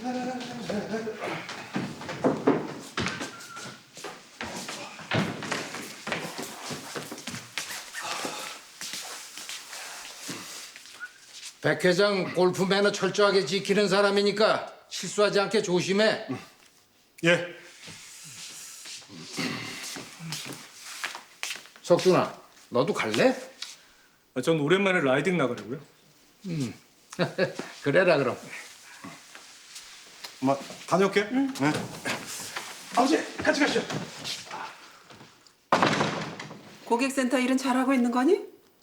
백 회장 골프 매너 철저하게 지키는 사람이니까 실수하지 않게 조심해. 예. 석준아, 너도 갈래? 전 오랜만에 라이딩 나가려고요. 그래라 그럼. 엄마 다녀올게. 네. 아버지 같이 가시죠. 고객센터 일은 잘하고 있는 거니?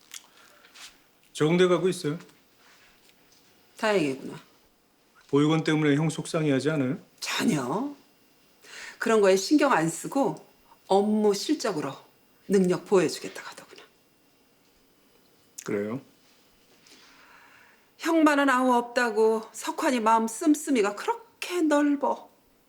적응돼 가고 있어요. 다행이구나. 보육원 때문에 형 속상해하지 않아요? 전혀. 그런 거에 신경 안 쓰고 업무 실적으로 능력 보여주겠다고 하더구나. 그래요. 형만은 아무 없다고 석환이 마음 씀씀이가 그렇게 넓어.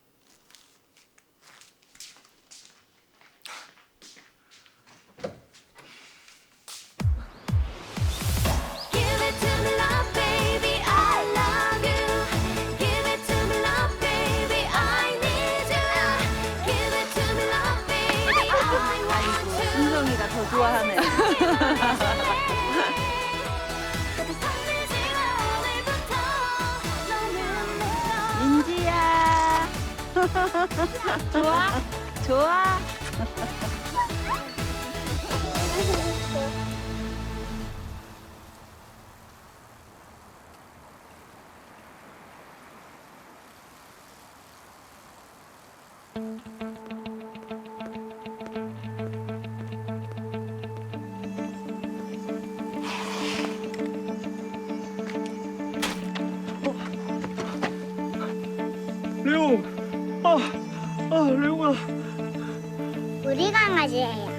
Give it to me, love, baby, I love you. Give it to me, love, baby, I need you. Give it to me, love, baby, I want you. 은성이가 더 좋아하네. 그대 설레지 마, 오늘부터 너는 내가. 민지야. 좋아? 좋아? 레옹! 레옹아. 우리 강아지예요.